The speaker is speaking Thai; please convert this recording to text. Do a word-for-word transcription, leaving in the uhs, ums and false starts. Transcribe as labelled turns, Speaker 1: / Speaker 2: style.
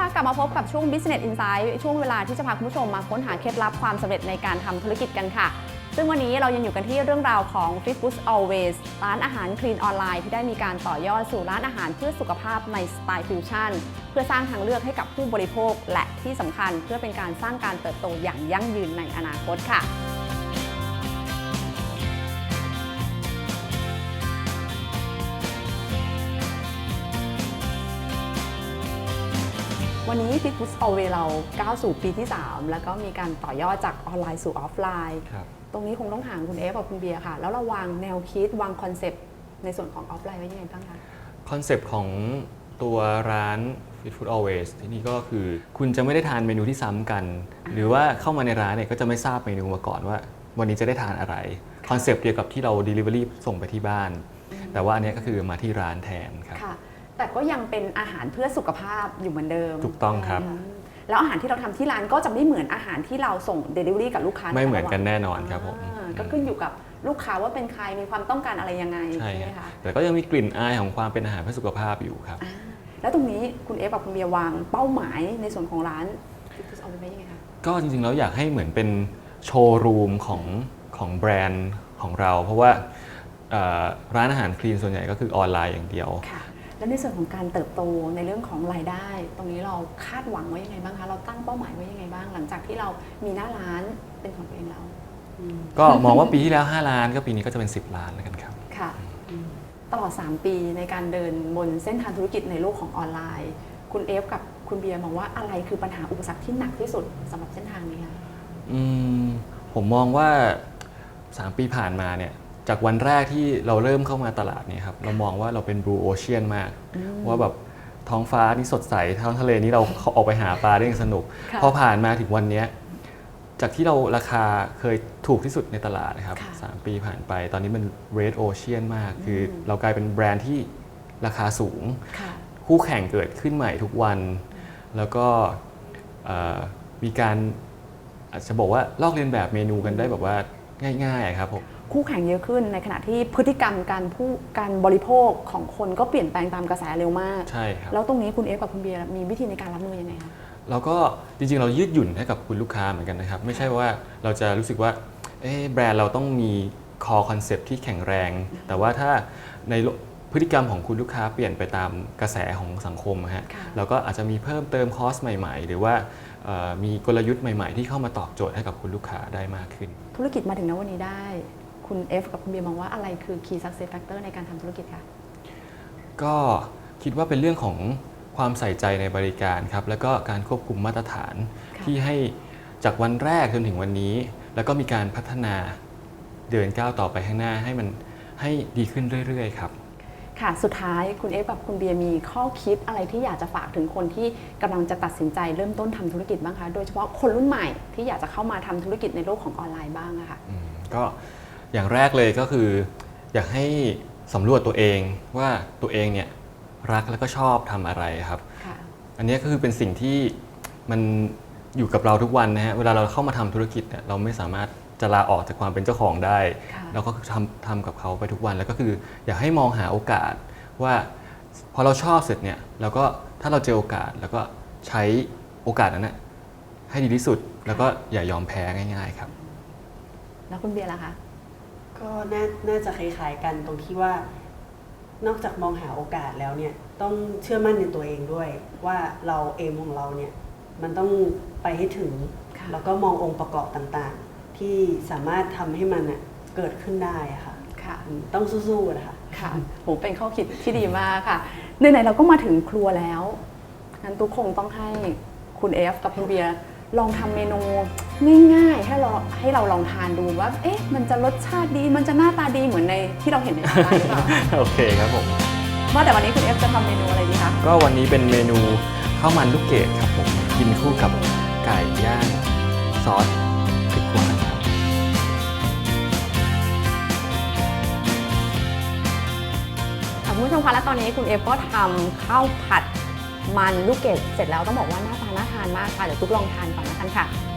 Speaker 1: กลับมาพบกับช่วง Business Insight ช่วงเวลาที่จะพาคุณผู้ชมมาค้นหาเคล็ดลับความสำเร็จในการทำธุรกิจกันค่ะซึ่งวันนี้เรายังอยู่กันที่เรื่องราวของ Fit Food Always ร้านอาหารคลีนออนไลน์ที่ได้มีการต่อยอดสู่ร้านอาหารเพื่อสุขภาพในสไตล์ฟิวชั่นเพื่อสร้างทางเลือกให้กับผู้บริโภคและที่สำคัญเพื่อเป็นการสร้างการเติบโตอย่างยั่งยืนในอนาคตค่ะวันนี้ Fit Food Always เราก้าวสู่ปีที่สามแล้วก็มีการต่อยอดจากออนไลน์สู่ออฟไลน์ตรงนี้คงต้องถามคุณเอฟกับคุณเบียร์ค่ะแล้วเราวางแนวคิดวางคอนเซปต์ในส่วนของออฟไลน์ไว้ยังไงบ้างคะ
Speaker 2: คอนเซปต์ของตัวร้าน Fit Food Always ที่นี่ก็คือคุณจะไม่ได้ทานเมนูที่ซ้ำกันหรือว่าเข้ามาในร้านเนี่ยก็จะไม่ทราบเมนูมาก่อนว่าวันนี้จะได้ทานอะไรคอนเซปต์เดียวกับที่เรา Delivery ส่งไปที่บ้านแต่ว่าอันนี้ก็คือมาที่ร้านแทนครับ
Speaker 1: แต่ก็ยังเป็นอาหารเพื่อสุขภาพอยู่เหมือนเดิม
Speaker 2: ถูกต้องครับ
Speaker 1: แล้วอาหารที่เราทำที่ร้านก็จะไม่เหมือนอาหารที่เราส่ง Delivery กับลูกค้า
Speaker 2: ไม่เหมือนกันแน่นอนครับผม
Speaker 1: ก็ขึ้นอยู่กับลูกค้าว่าเป็นใครมีความต้องการอะไรยังไงใช่ไหมคะ
Speaker 2: แต่ก็ยังมีกลิ่นอายของความเป็นอาหารเพื่อสุขภาพอยู่ครับ
Speaker 1: แล้วตรงนี้คุณเอฟกับคุณเบียร์วางเป้าหมายในส่วนของร้านเอาไปไว้ยังไงคะ
Speaker 2: ก็จริงๆแล้วอยากให้เหมือนเป็นโชว์รูมของของแบรนด์ของเราเพราะว่าร้านอาหารคลีนส่วนใหญ่ก็คือออนไลน์อย่างเดียว
Speaker 1: แล้วในส่วนของการเติบโตในเรื่องของรายได้ตรงนี้เราคาดหวังไว้ยังไงบ้างคะเราตั้งเป้าหมายไว้ยังไงบ้างหลังจากที่เรามีหน้าร้านเป็นของตัวเองแล้ว
Speaker 2: ก็มองว่าปีที่แล้วห้าล้านก็ปีนี้ก็จะเป็นสิบล้านแล้วกันครับ
Speaker 1: ค่ะตลอดสามปีในการเดินบนเส้นทางธุรกิจในโลกของออนไลน์คุณเอฟกับคุณเบียร์มองว่าอะไรคือปัญหาอุปสรรคที่หนักที่สุดสำหรับเส้นทางนี้คะ
Speaker 2: อืมผมมองว่าสามปีผ่านมาเนี่ยจากวันแรกที่เราเริ่มเข้ามาตลาดเนี่ยครับเรามองว่าเราเป็นบลูโอเชียนมากว่าแบบท้องฟ้านี่สดใสท้องทะเลนี่เราออกไปหาปลาได้อย่างสนุกพอผ่านมาถึงวันนี้จากที่เราราคาเคยถูกที่สุดในตลาดนะครับสามปีผ่านไปตอนนี้มันเรดโอเชียนมากคือเรากลายเป็นแบรนด์ที่ราคาสูงคู่แข่งเกิดขึ้นใหม่ทุกวันแล้วก็มีการอาจจะบอกว่าลอกเลียนแบบเมนูกันได้แบบว่าง่ายๆครับผม
Speaker 1: คู่แข่งเยอะขึ้นในขณะที่พฤติกรรมการผู้การบริโภคของคนก็เปลี่ยนแปลงตามกระแสเร็วมาก
Speaker 2: ใช่ครับ
Speaker 1: แล้วตรงนี้คุณเอฟกับคุณเบียร์มีวิธีในการรับมือยังไงคะ
Speaker 2: เราก็จริงๆเรายืดหยุ่นให้กับคุณลูกค้าเหมือนกันนะครับไม่ใช่ว่าเราจะรู้สึกว่าเอ๊ะแบรนด์เราต้องมีคอคอนเซปต์ที่แข็งแรงแต่ว่าถ้าในพฤติกรรมของคุณลูกค้าเปลี่ยนไปตามกระแสของสังคมฮะเราก็อาจจะมีเพิ่มเติมคอสใหม่ๆหรือว่ามีกลยุทธ์ใหม่ๆที่เข้ามาตอบโจทย์ให้กับคุณลูกค้าได้มากขึ้น
Speaker 1: ธุรกิจมาถึงณวันนี้ได้คุณเอฟกับคุณเบียร์มองว่าอะไรคือ Key Success Factor ในการทำธุรกิจคะ
Speaker 2: ก็คิดว่าเป็นเรื่องของความใส่ใจในบริการครับแล้วก็การควบคุมมาตรฐานที่ให้จากวันแรกจนถึงวันนี้แล้วก็มีการพัฒนาเดินก้าวต่อไปข้างหน้าให้มันให้ดีขึ้นเรื่อยๆครับ
Speaker 1: ค่ะสุดท้ายคุณเอฟกับคุณเบียร์มีข้อคิดอะไรที่อยากจะฝากถึงคนที่กำลังจะตัดสินใจเริ่มต้นทำธุรกิจบ้างคะโดยเฉพาะคนรุ่นใหม่ที่อยากจะเข้ามาทำธุรกิจในโลกของออนไลน์บ้างอะค่ะ
Speaker 2: ก็อย่างแรกเลยก็คืออยากให้สำรวจตัวเองว่าตัวเองเนี่ยรักแล้วก็ชอบทำอะไรครับอันนี้ก็คือเป็นสิ่งที่มันอยู่กับเราทุกวันนะฮะเวลาเราเข้ามาทำธุรกิจเนี่ยเราไม่สามารถจะลาออกจากความเป็นเจ้าของได้เราก็ทำทำกับเขาไปทุกวันแล้วก็คืออยากให้มองหาโอกาสว่าพอเราชอบเสร็จเนี่ยเราก็ถ้าเราเจอโอกาสแล้วก็ใช้โอกาสนั้นนะให้ดีที่สุดแล้วก็อย่ายอมแพ้ง่ายๆครับ
Speaker 1: แล้วคุณเบียร์ล่ะคะ
Speaker 3: ก็น่าจะคล้ายๆกันตรงที่ว่านอกจากมองหาโอกาสแล้วเนี่ยต้องเชื่อมั่นในตัวเองด้วยว่าเราเอมของเราเนี่ยมันต้องไปให้ถึงแล้วก็มององค์ประกอบต่างๆที่สามารถทำให้มันเกิดขึ้นได้ค่ะต้องสู้ๆนะคะ
Speaker 1: ค่ะผมเป็นข้อคิดที่ดีมากค่ะไหนๆเราก็มาถึงครัวแล้วงั้นทุกคงต้องให้คุณเอฟกับคุณเบียร์ลองทำเมนูง่ายๆให้เราให้เราลองทานดูว่าเอ๊ะมันจะรสชาติดีมันจะหน้าตาดีเหมือนในที่เราเห็นในร้านหรือเปล่า
Speaker 2: โอเคครับผม
Speaker 1: ว่าแต่วันนี้คุณเอฟจะทำเมนูอะไรดีคะ
Speaker 2: ก็วันนี้เป็นเมนูข้าวมันลูกเกดครับผมกินคู่กับไก่ย่างซอสพริกหวานครับ
Speaker 1: คุณผู้ชมคะและตอนนี้คุณเอฟก็ทำข้าวผัดมันลูกเกดเสร็จแล้วต้องบอกว่าหน้าตาน่าทานมากค่ะเดี๋ยวทุกลองทานก่อนนะคะค่ะ